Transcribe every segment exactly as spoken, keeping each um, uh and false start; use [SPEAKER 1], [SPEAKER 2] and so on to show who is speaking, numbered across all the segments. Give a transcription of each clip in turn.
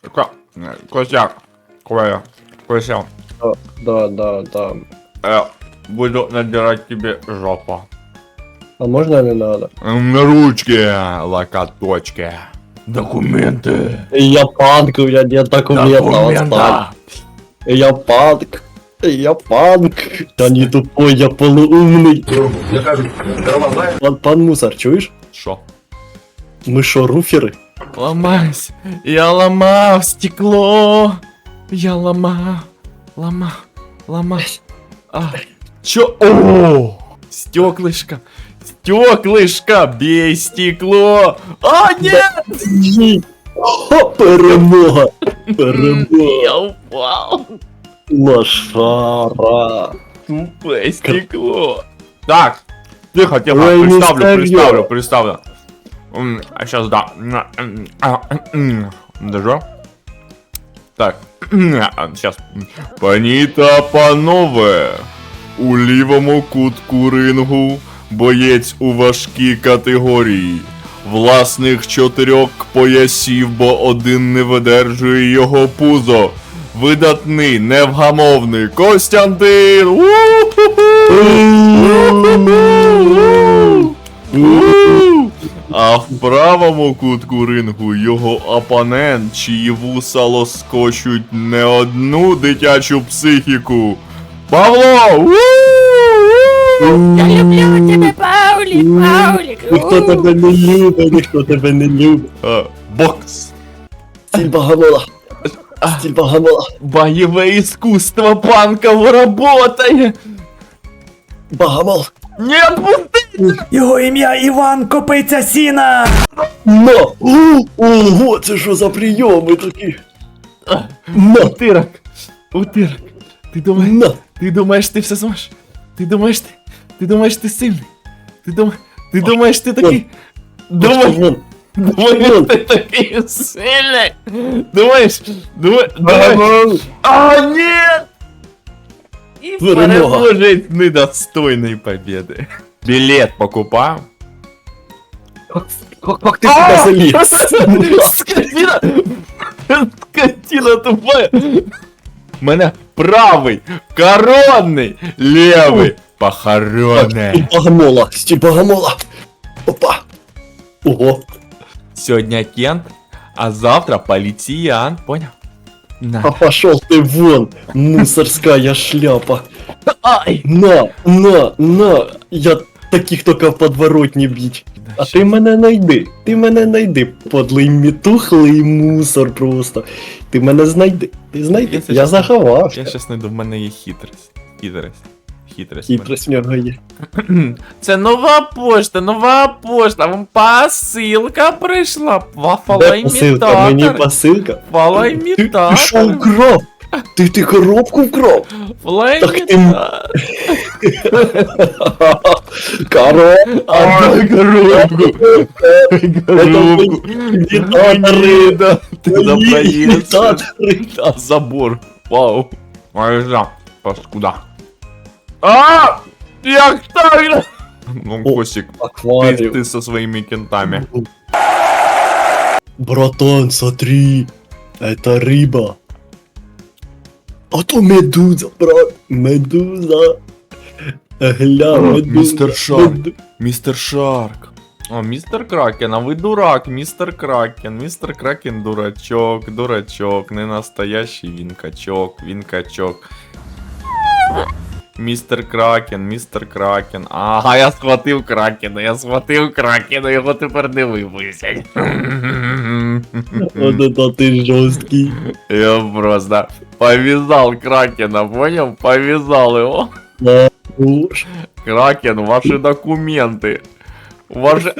[SPEAKER 1] Ко- Костяк, Коля, Кося,
[SPEAKER 2] Да, да, да, да.
[SPEAKER 1] я буду надирать тебе жопу.
[SPEAKER 2] А можно не надо?
[SPEAKER 1] На ручки, локоточки. Документы.
[SPEAKER 2] Я панк, у меня нет документов, отстань. Я панк. Я панк. Да не тупой, я полуумный. Пан, пан Мусор, чуешь?
[SPEAKER 1] Шо?
[SPEAKER 2] Мы шо, руферы?
[SPEAKER 1] Ломайся. Я ломал стекло. Я ломал. Ломал. Ломал. А. Чё? О! Стеклышко. Стеклышко. Бей стекло. А, нет!
[SPEAKER 2] Ні. О, перемога. Перемога.
[SPEAKER 1] Я упал.
[SPEAKER 2] Лошара.
[SPEAKER 1] Тупое стекло. Так. Тихо, тихо.
[SPEAKER 2] Ой,
[SPEAKER 1] Представлю,
[SPEAKER 2] мистер
[SPEAKER 1] представлю,
[SPEAKER 2] Йо.
[SPEAKER 1] представлю. М, А сейчас да. Даже. Так. Сейчас. Пані та панове. У лівому кутку рингу боєць у важкій категорії. Власних чотирьох поясів, бо один не видержує його пузо. Видатний, невгамовний Костянтин! У-ху-ху! А в правому кутку рингу його опонент, чиї вуса лоскочуть не одну дитячу психіку. Павло!
[SPEAKER 3] Я люблю тебе, Паулік, Паулік.
[SPEAKER 2] Ніхто тебе не любить, ніхто тебе не любить.
[SPEAKER 1] А, Бокс!
[SPEAKER 2] Стиль Богомола. Стиль Богомола.
[SPEAKER 1] Боевое искусство панков работает!
[SPEAKER 2] Богомол.
[SPEAKER 1] Нет, пусти!
[SPEAKER 4] Його ім'я Іван Копиця Сіна!
[SPEAKER 2] На! О, ого, це що за прийоми такі? На!
[SPEAKER 1] Утырок! Утырок! Ты думаешь,
[SPEAKER 2] На!
[SPEAKER 1] ты думаешь, ты все сможешь? Ты думаешь, ты, ты думаешь, ты сильный? Ты думаешь, ты думаешь, ты такой... Думаешь,
[SPEAKER 2] Вон.
[SPEAKER 1] думаешь, ты такой сильный? Думаешь, думаешь, думаешь...
[SPEAKER 2] Богомол.
[SPEAKER 1] А, нет! И
[SPEAKER 2] Перемога.
[SPEAKER 1] продолжить недостойной победы. Билет покупаю.
[SPEAKER 2] Как, как ты сюда залез?
[SPEAKER 1] Скотина! Скотина тупая! У мене правий, коронний, лівий, похоронний.
[SPEAKER 2] Стиль Богомола. Стиль Богомола. Опа. Ого.
[SPEAKER 1] Сьогодні Кент, а завтра поліціян, понял?
[SPEAKER 2] А
[SPEAKER 1] На.
[SPEAKER 2] пошел ты вон, мусорская шляпа.
[SPEAKER 1] Ай!
[SPEAKER 2] На, на, на. Я таких только в подворотні б'ють. А ти мене найди, ти мене найди, подлий мітухлий мусор просто. Ти мене знайди, ти знайди,
[SPEAKER 1] Якщо
[SPEAKER 2] я
[SPEAKER 1] чесно,
[SPEAKER 2] заховався.
[SPEAKER 1] Я щас знайду, в мене є хитрість. Хитрість. Хитрість.
[SPEAKER 2] Хитрость в нього є.
[SPEAKER 1] Це нова пошта, нова пошта. Вам посилка прийшла.
[SPEAKER 2] Де посилка? Мені
[SPEAKER 1] Фалоімітатор.
[SPEAKER 2] посилка? Ти, ти що
[SPEAKER 1] Фалоімітатор.
[SPEAKER 2] вкрав? Ти, ти коробку вкрав?
[SPEAKER 1] Фалоімітатор.
[SPEAKER 2] Коробка.
[SPEAKER 1] Ай, коробку. Коробку.
[SPEAKER 2] Імітатори.
[SPEAKER 1] Да, ти напоївся.
[SPEAKER 2] Імітатори.
[SPEAKER 1] А забор. Вау. Майжа. Паскуда. А! Як так? Ну,
[SPEAKER 2] О,
[SPEAKER 1] Косик, ты,
[SPEAKER 2] Акваріум.
[SPEAKER 1] ты со своими кентами.
[SPEAKER 2] Братан, смотри, это рыба. А то медуза, брат, медуза. Гля, медуза.
[SPEAKER 1] мистер Шарк.
[SPEAKER 2] Меду-
[SPEAKER 1] Мистер Шарк. О, мистер Кракен, а вы дурак, мистер Кракен. Мистер Кракен дурачок, дурачок. Не настоящий він качок, він качок. Містер Кракен, містер Кракен. Ага, я схватив Кракена, я схватив Кракена, його тепер не випустять.
[SPEAKER 2] Вот это ты жесткий.
[SPEAKER 1] Я просто повязал Кракена, понял? Повязал его.
[SPEAKER 2] Да, уж.
[SPEAKER 1] Кракен, ваши документы. Ваши...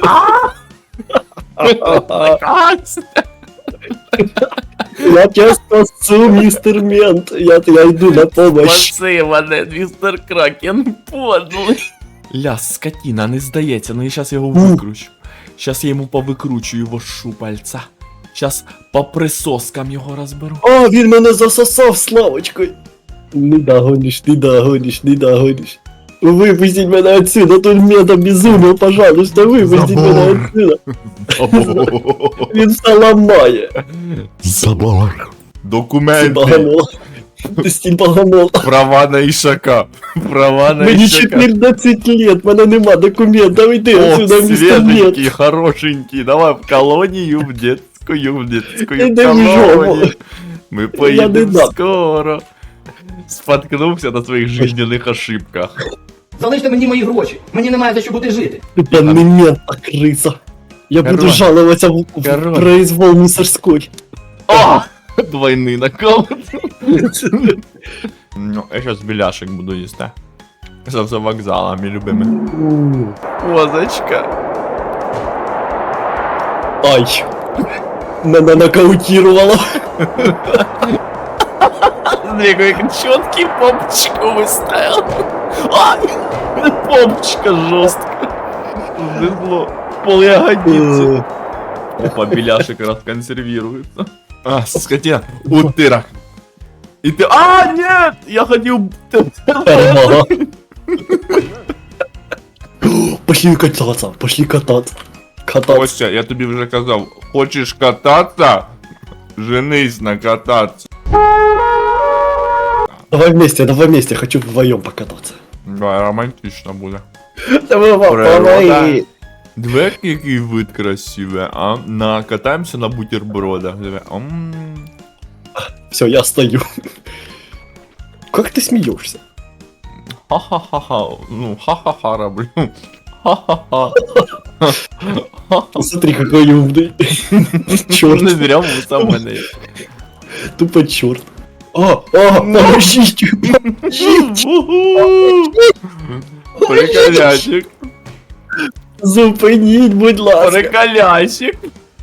[SPEAKER 2] Я тебя спасу, мистер Мент. Я, я иду на помощь.
[SPEAKER 1] Спаси мене, містер Кракен, подлий. Ля, скотина, не здається, ну я щас його викручу. Щас я йому повикручу його шупальця. Щас по присоскам його розберу.
[SPEAKER 2] О, він мене засосав Славочкою. Не догониш, не догониш, не догониш. Выпустить меня отсюда, тут мент обезумел, пожалуйста, выпустить меня отсюда. Він все ламає.
[SPEAKER 1] Забор.
[SPEAKER 2] Стиль
[SPEAKER 1] Документи.
[SPEAKER 2] Богомола. Стиль Богомола.
[SPEAKER 1] Права на Ішака. Права на
[SPEAKER 2] Мені
[SPEAKER 1] Ішака.
[SPEAKER 2] чотирнадцять лет, мене нема документів, іди
[SPEAKER 1] О,
[SPEAKER 2] отсюда, містер мент.
[SPEAKER 1] свеженький, хорошенький. Давай в колонию, в детскую, в детскую
[SPEAKER 2] Іди в жопу.
[SPEAKER 1] колонию. Мы
[SPEAKER 2] Я не
[SPEAKER 1] поедем
[SPEAKER 2] дам.
[SPEAKER 1] скоро. Споткнувся на своїх жизненних ошибках.
[SPEAKER 5] Залиште мені мої гроші. Мені немає за що бути жити.
[SPEAKER 2] Тупо не мент, а крыса. Я буду
[SPEAKER 1] Король.
[SPEAKER 2] жаловаться в, в
[SPEAKER 1] Король.
[SPEAKER 2] произвол мусорской.
[SPEAKER 1] О! Двойний накол. Ну, я сейчас беляшек буду їсти. За, за вокзалами любими. Козочка.
[SPEAKER 2] Ай. Мене нокаутировало.
[SPEAKER 1] Смотри, как четкий попчику выставил. А! Попчика жестко. Зло. Пол ягодицы. Опа, беляшек расконсервируется. А, скотина. Утыра. И ты... А, нет! Я хотел...
[SPEAKER 2] Ага. Пошли кататься, пошли кататься. Кататься.
[SPEAKER 1] Костя, я тобі вже казав, хочеш кататися? Женись на кататися.
[SPEAKER 2] Давай вместе, давай вместе, хочу вдвоем покататься.
[SPEAKER 1] Да, романтично буде.
[SPEAKER 2] Давай,
[SPEAKER 1] Природа. Диви, який вид красивий, а? На, катаємося на бутербродах. Диви. М.
[SPEAKER 2] Все, я стою. Как ты смеешься?
[SPEAKER 1] Ха-ха-ха-ха. Ну, ха-ха-ха роблю. Ха-ха-ха.
[SPEAKER 2] Смотри, какой умный.
[SPEAKER 1] Не
[SPEAKER 2] Черт,
[SPEAKER 1] зря вуса в мене.
[SPEAKER 2] тупо черт. А, а, подождите, подождите.
[SPEAKER 1] Приколясик.
[SPEAKER 2] Зупиніть, будь ласка.
[SPEAKER 1] Приколясик.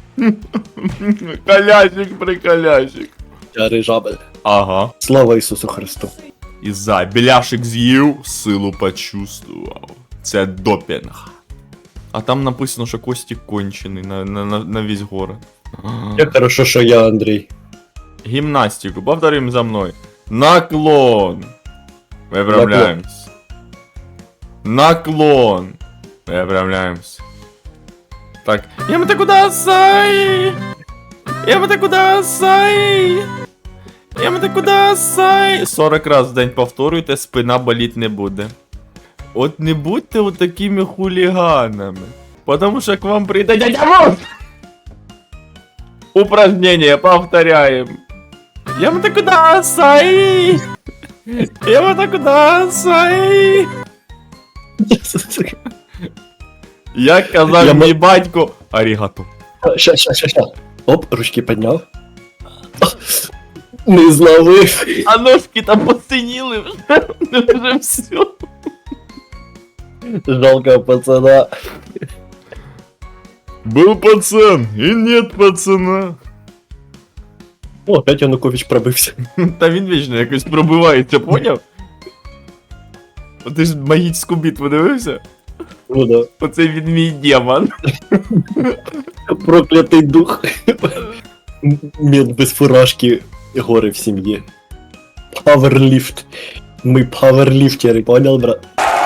[SPEAKER 1] Колясик, приколясик.
[SPEAKER 2] Я рижабель.
[SPEAKER 1] Ага.
[SPEAKER 2] Слава Ісусу Христу.
[SPEAKER 1] І за біляшик з'їв, силу почувствував. Це допінг. А там написано, що Костік кончений на, на, на, на весь город.
[SPEAKER 2] Як хорошо, що я Андрій.
[SPEAKER 1] Гимнастику, повторим за мной. Наклон. Выправляемся. Наклон. Выправляемся. Так. Ямата куда сай? Ямата куда сай? Ямата куда сай? сорок раз в день повторюйте, спина боліть не буде. От не будьте от такими хулиганами. Потому что к вам прийде дядя Вов! Упражнение повторяем. Ямата куда сай? Ямата куда сай? Як казав
[SPEAKER 2] Я
[SPEAKER 1] мій батько, арігато.
[SPEAKER 2] Ща, ща, ща, ща. Оп, ручки підняв. Не зловив.
[SPEAKER 1] А ножки там посиніли вже, вже все.
[SPEAKER 2] Жалко пацана.
[SPEAKER 1] Был пацан, и нет пацана.
[SPEAKER 2] О, опять Янукович пробився.
[SPEAKER 1] Та він вічно якось пробивається, поняв? О, ти ж магічну битву дивився?
[SPEAKER 2] Ну да.
[SPEAKER 1] Оце він мій демон.
[SPEAKER 2] Проклятий дух. Мент без фуражки, гори в сім'ї. Пауерліфт. Ми пауерліфтери, понял, брат?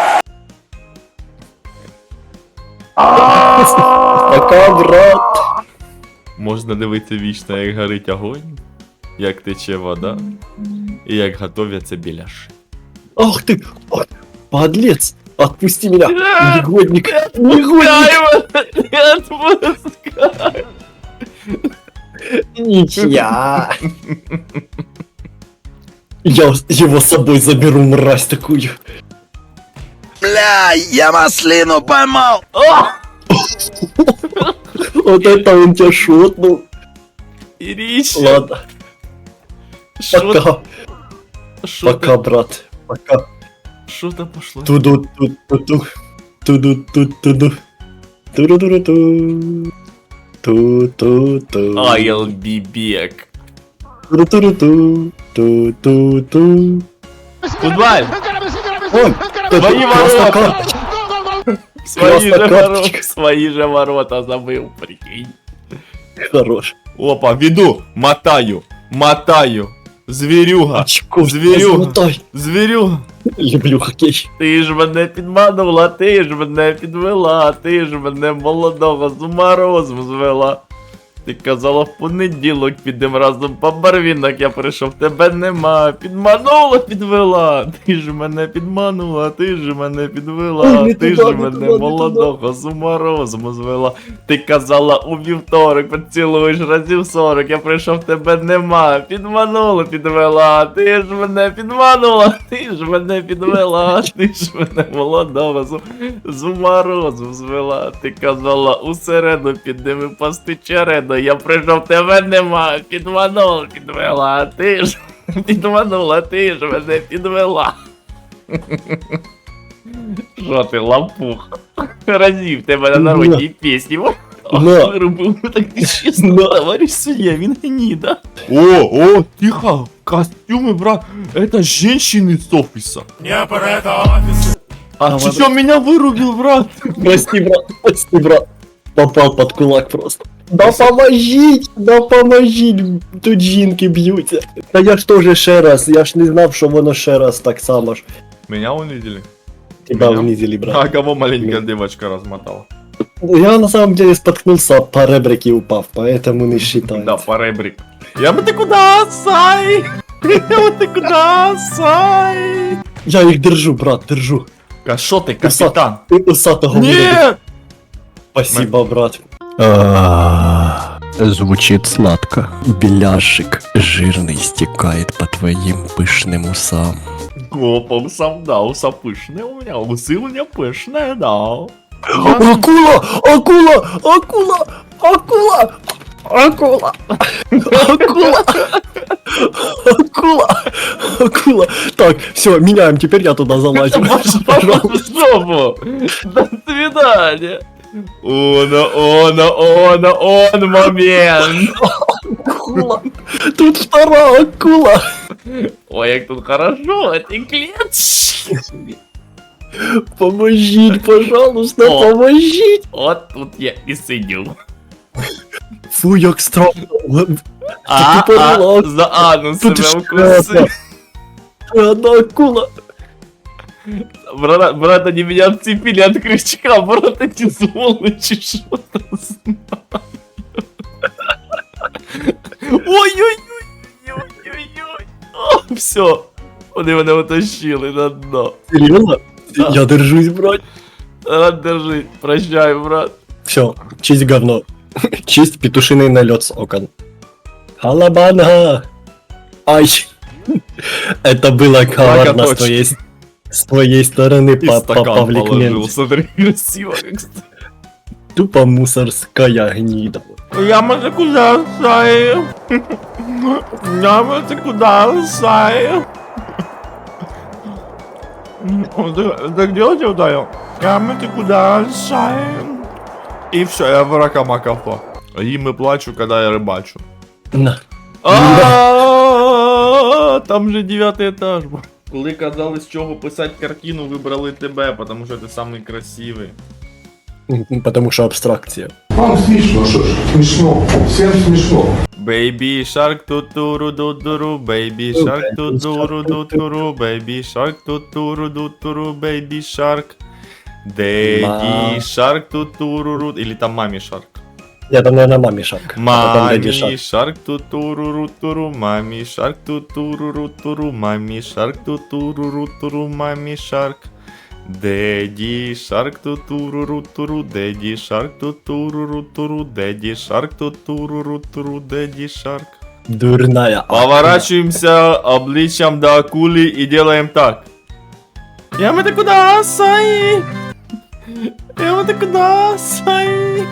[SPEAKER 2] Пока, брат.
[SPEAKER 1] Можна дивитися вічно, як горить огонь, як тече вода, і як готовяться біляши.
[SPEAKER 2] Ах ты, ах, подлец. Отпусти меня, негодник, негодник.
[SPEAKER 1] Не отпускай!
[SPEAKER 2] Ничья. Я его с собой заберу, мразь такую.
[SPEAKER 4] Бля, я маслину поймал!
[SPEAKER 2] Вот это он тебя шотнул.
[SPEAKER 1] Ириш,
[SPEAKER 2] Ладно,
[SPEAKER 1] что
[SPEAKER 2] пока, пока, брат, пока.
[SPEAKER 1] что-то пошло.
[SPEAKER 2] Туду ту ту ту туду ту туду туду туду ту ту ту ту
[SPEAKER 1] I'll be back.
[SPEAKER 2] туду туду ту ту ту ту.
[SPEAKER 1] Футболь!
[SPEAKER 2] Ой, это
[SPEAKER 1] Твои
[SPEAKER 2] красная
[SPEAKER 1] ворота!
[SPEAKER 2] карточка.
[SPEAKER 1] Свои же,
[SPEAKER 2] Красная
[SPEAKER 1] ворота,
[SPEAKER 2] карточка.
[SPEAKER 1] свои же ворота забыл, прикинь.
[SPEAKER 2] Хорош.
[SPEAKER 1] Опа, веду, мотаю, мотаю. Зверюга,
[SPEAKER 2] Очко,
[SPEAKER 1] зверюга.
[SPEAKER 2] размотай.
[SPEAKER 1] зверюга.
[SPEAKER 2] Люблю хокей.
[SPEAKER 1] Ти ж мене підманула, ти ж мене підвела, ти ж мене молодого з ума розум звела. Ти казала в понеділок підем разом по барвінок, я прийшов, тебе нема. Підманула, підвела. Ти ж мене підманула, ти ж мене підвела.
[SPEAKER 2] Ой, не
[SPEAKER 1] Ти
[SPEAKER 2] туди,
[SPEAKER 1] ж
[SPEAKER 2] не
[SPEAKER 1] мене
[SPEAKER 2] туди, не
[SPEAKER 1] молодого з ума розуму звела. Ти казала у вівторок, поцілуєш разів сорок, я прийшов, тебе нема. Підманула, підвела. Ти ж мене підманула, ти ж мене підвела. Ти ж мене молодого з, з ума розум звела. Ти казала у середу підемо пасти череду. Я прийшов, тебе нема, підманула, підвела, ти ж підманула, ти ж мене підвела. Що ти, лапух? Разів тебе на народній пісні.
[SPEAKER 2] На.
[SPEAKER 1] Виробив так нечесно,
[SPEAKER 2] На.
[SPEAKER 1] товарищ судья, він гніда. О, о, тихо, костюмы, брат, это женщины с офиса.
[SPEAKER 6] Не про это офисы.
[SPEAKER 1] А
[SPEAKER 2] А,
[SPEAKER 1] ты
[SPEAKER 2] вот-
[SPEAKER 1] что, меня вырубил, брат?
[SPEAKER 2] Прости, брат, прости, брат. Попав под кулак просто. Да поможіть, да поможіть, тут жінки б'ються. Та я ж теж ще раз, я ж не знав, що воно ще раз так само ж.
[SPEAKER 1] Меня унизили.
[SPEAKER 2] Тебя
[SPEAKER 1] Меня?
[SPEAKER 2] унизили, брат.
[SPEAKER 1] А кого маленькая девочка размотала?
[SPEAKER 2] Я на самом деле споткнулся, по ребрике упав, поэтому не считаю.
[SPEAKER 1] Да, по ребрик. Я бы ты куда, Сай? Я бы ты куда, Сай?
[SPEAKER 2] Я їх держу, брат, держу.
[SPEAKER 1] А шо ты, капитан?
[SPEAKER 2] Ти усатого вирубив.
[SPEAKER 1] Нет!
[SPEAKER 2] Спасибо, брат.
[SPEAKER 7] Звучит сладко. Беляшик жирный стекает по твоим пышным усам.
[SPEAKER 1] Гопом сам, да, уса пышные у меня, усы у меня пышные, да.
[SPEAKER 2] Акула! Акула! Акула! Акула! Акула! Акула! Акула! Акула! Так, все, меняем, теперь я туда залазю.
[SPEAKER 1] Пожалуйста, до свидания. Оно, оно, оно, он момент.
[SPEAKER 2] Акула! Тут вторая акула!
[SPEAKER 1] Ой, як тут хорошо, эти клетки.
[SPEAKER 2] Поможіть, пожалуйста,
[SPEAKER 1] О.
[SPEAKER 2] поможіть!
[SPEAKER 1] Вот тут я и сидю.
[SPEAKER 2] Фу, як страшно.
[SPEAKER 1] А,
[SPEAKER 2] тупо
[SPEAKER 1] а,
[SPEAKER 2] релакс.
[SPEAKER 1] за анус
[SPEAKER 2] Тут
[SPEAKER 1] себе
[SPEAKER 2] ж
[SPEAKER 1] укусил.
[SPEAKER 2] Одна акула.
[SPEAKER 1] Брат, брат, они меня отцепили от крючка, брат, эти сволочи, что там знаю. Ой-ой-ой-ой-ой-ой. Все, вони мене утащили на дно.
[SPEAKER 2] Серйозно?
[SPEAKER 1] Да.
[SPEAKER 2] Я держусь, брат.
[SPEAKER 1] Рад держи, прощай, брат.
[SPEAKER 2] Все, чисть говно. Чисть петушиный налет с окон. Халабанга! Ай! Это было коварно с
[SPEAKER 1] точно.
[SPEAKER 2] твоей, с с твоей стороны,
[SPEAKER 1] И
[SPEAKER 2] па-
[SPEAKER 1] стакан
[SPEAKER 2] па- Павлик
[SPEAKER 1] положил,
[SPEAKER 2] Мент.
[SPEAKER 1] смотри, красиво как ст-
[SPEAKER 2] Тупо мусорская гнида.
[SPEAKER 1] Я може куда сай? Я може куда сай? Так делайте ударил. Я може куда сай? И все, я в ракамакафо. Им и плачу, когда я рыбачу.
[SPEAKER 2] На.
[SPEAKER 1] А, там же дев'ятий етаж. Коли казали, з чого писати картину, вибрали тебе, тому що ти самий красивий.
[SPEAKER 2] Потому что абстракция.
[SPEAKER 6] Вам смешно, что ж, смешно, всем смешно.
[SPEAKER 1] Baby shark тутуру дудуру, baby shark тутуру дудуру, baby shark тутуру дудуру, baby shark. Daddy shark тутуру, или там мами shark.
[SPEAKER 2] Я там, наверное, маме шаг. А потом
[SPEAKER 1] Мами
[SPEAKER 2] дяде шаг.
[SPEAKER 1] shark тутуру туру, мами shark тутуру туру, мами shark тутуру туру, мами shark. Daddy shark тутуру туру, daddy shark тутуру туру, daddy shark тутуру туру, daddy shark.
[SPEAKER 2] Дурная.
[SPEAKER 1] Поворачиваемся обличием до акули и делаем так. Ямата куда, сай? Ямата куда, сай?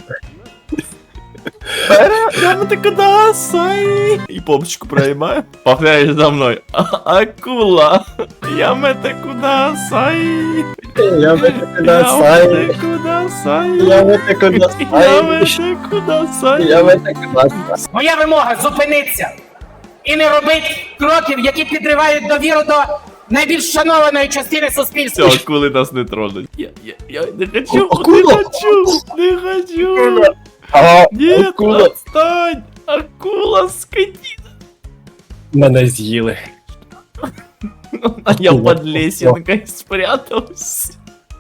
[SPEAKER 1] Ямата куда, сай? И попочку проебаем. Повторяешь за мной. А- Акула. Ямата куда, сай?
[SPEAKER 2] Я в это куда сай.
[SPEAKER 1] Ямата куда, сай?
[SPEAKER 2] Я в это куда сай.
[SPEAKER 1] Ямата куда, сай?
[SPEAKER 2] Я в это куда сай.
[SPEAKER 3] Моя вимога зупинитися і не робити кроків, які підривають довіру до найбільш шанованої частини суспільства.
[SPEAKER 1] Все, акули нас не тронуть. Я, я, я не хочу,
[SPEAKER 2] Акула!
[SPEAKER 1] не хочу, не хочу.
[SPEAKER 2] А,
[SPEAKER 1] Нет,
[SPEAKER 2] акула.
[SPEAKER 1] отстань! Акула, скотина!
[SPEAKER 2] Мене з'їли.
[SPEAKER 1] А я под лесенкой спрятался.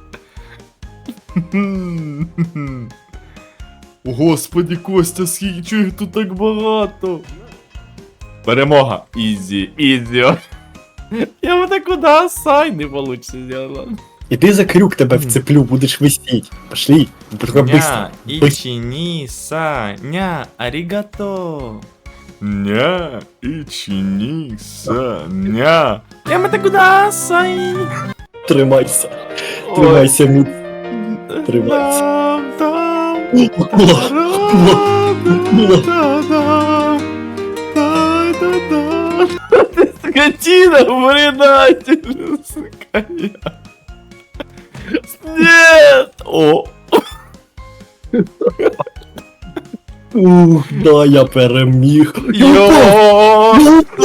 [SPEAKER 1] Господи, Костя, скільки чого їх тут так багато? Перемога. Ізі, ізі. Я вот так куда сай не получится сделать.
[SPEAKER 2] Іди за крюк, тебе вцеплю, будеш висіть. Пошли, быстро, быстро.
[SPEAKER 1] ичини, са, ня, аригато. Ня, ичини, са, ня. Я вот так куда сай.
[SPEAKER 2] Тримайся. Тримайся, міць. Тримайся.
[SPEAKER 1] Там, там.
[SPEAKER 2] Була, була, була.
[SPEAKER 1] Ты скотина, предатель, сука. Нет! О!
[SPEAKER 2] Ух, да, я переміг.
[SPEAKER 1] Йо!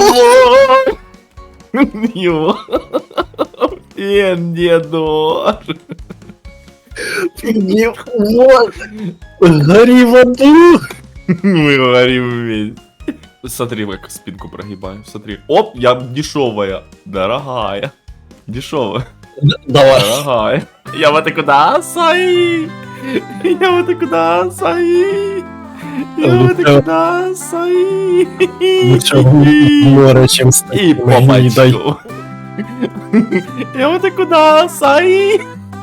[SPEAKER 1] Йо! Ен, дедор!
[SPEAKER 2] Ні, вот. Горі в аду.
[SPEAKER 1] Мы говорим вместе. Смотри, как спинку прогибаю. Смотри. Оп, я дешевая. Дорогая. Дешевая.
[SPEAKER 2] Давай.
[SPEAKER 1] Дорогая. Я вот и куда сай. Я вот и куда сай. Я вот и куда сай.
[SPEAKER 2] Лучше в море, чим
[SPEAKER 1] И
[SPEAKER 2] стати.
[SPEAKER 1] по бачку. Я вот и куда сай.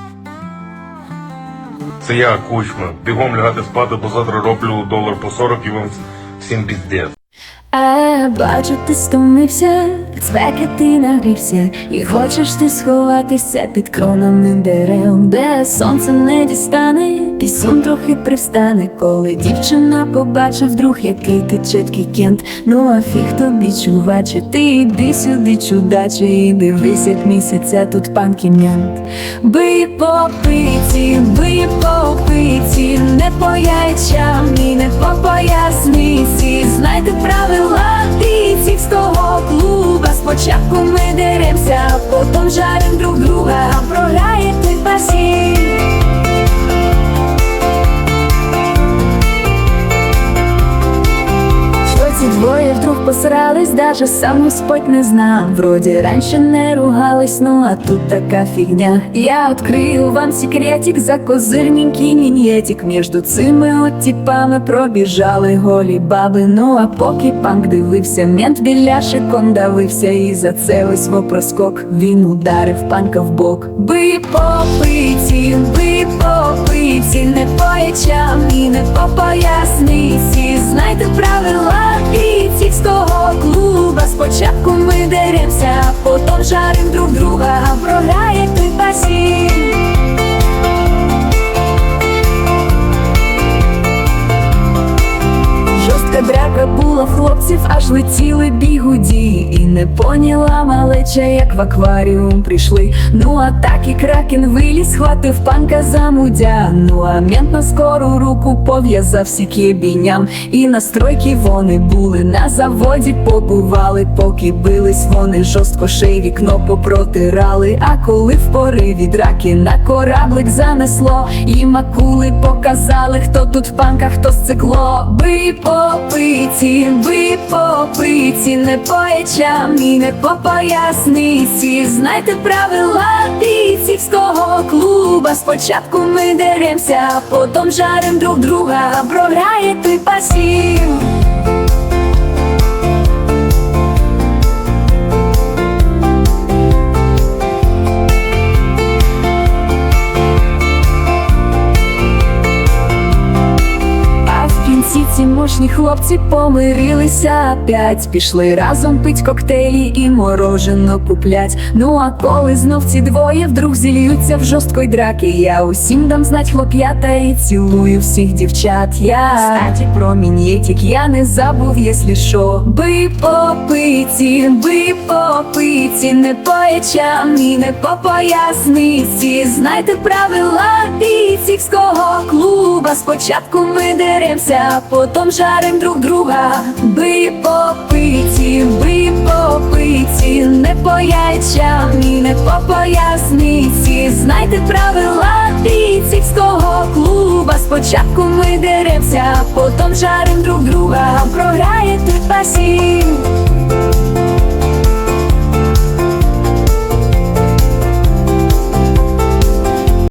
[SPEAKER 8] Це я, Кучма. Бігом лягати спати, бо завтра роблю долар по сорок і вам всім піздець.
[SPEAKER 9] А, бачу, ти стомився, від спеки ти нагрівся, і хочеш ти сховатися під кронами дерев, де сонце не дістане, пісун трохи привстане, коли дівчина побачив вдруг, який ти чіткий кент. Ну а фіг тобі, чуваче, ти йди сюди, чудаче, і дивись, як місяця тут пан кім'янт. Бий по пиці, бий по пиці, не по яйцям і не по поясниці, знайте правила бійцівського клуба. Спочатку ми деремся, а потім жарим друг друга, а програє той пасів. Ці двоє вдруг посрались, даже сам Господь не знав. Вроде раньше не ругались, ну а тут така фігня. Я открию вам секретик, за козирненький мін'єтик. Между цими от типами пробіжали голі баби. Ну а поки панк дивився, мент біляшик он давився. І за це ось вопроскок він ударив панка в бок. Бий по пиці, бий по пиці, не по ячам і не по поясниці, знайте правила бійцівського клуба. Спочатку ми деремся, а потім жарим друг друга, а програє той пасів. Жорстка драка була в хлопців, аж летіли бігуді. І не поняла малеча, як в акваріум прийшли. Ну а так і кракен виліз, схватив панка за мудя. Ну а мент на скору руку пов'язав сіки бійням. І на стройки вони були, на заводі побували. Поки бились вони, жорстко ще й вікно попротирали. А коли в пориві драки на кораблик занесло, і макули показали, хто тут в панках, хто сцикло. Бий по пиці, бий по пиці, не по ячам і не по поясниці, знайте правила бійцівського клуба. Спочатку ми деремся, а потім жарим друг друга, а програє той пасів. Ці мощні хлопці помирилися опять, пішли разом пить коктейлі і морожено куплять. Ну а коли знов ці двоє вдруг зільються в жорсткої драки, я усім дам знать хлоп'ята і цілую всіх дівчат. Я, кстати, про мін'єтик я не забув, єслі шо. Бий по пиці, бий по пиці, не по ячам і не по поясниці, знайте правила бійцівського клуба. Спочатку ми деремся, а потім жарим друг друга. Бий по пиці, бий по пиці, не по яйцям і не по поясниці, знайте правила бійцівського клуба. Спочатку ми деремся, а потім жарим друг друга, програє той пасів.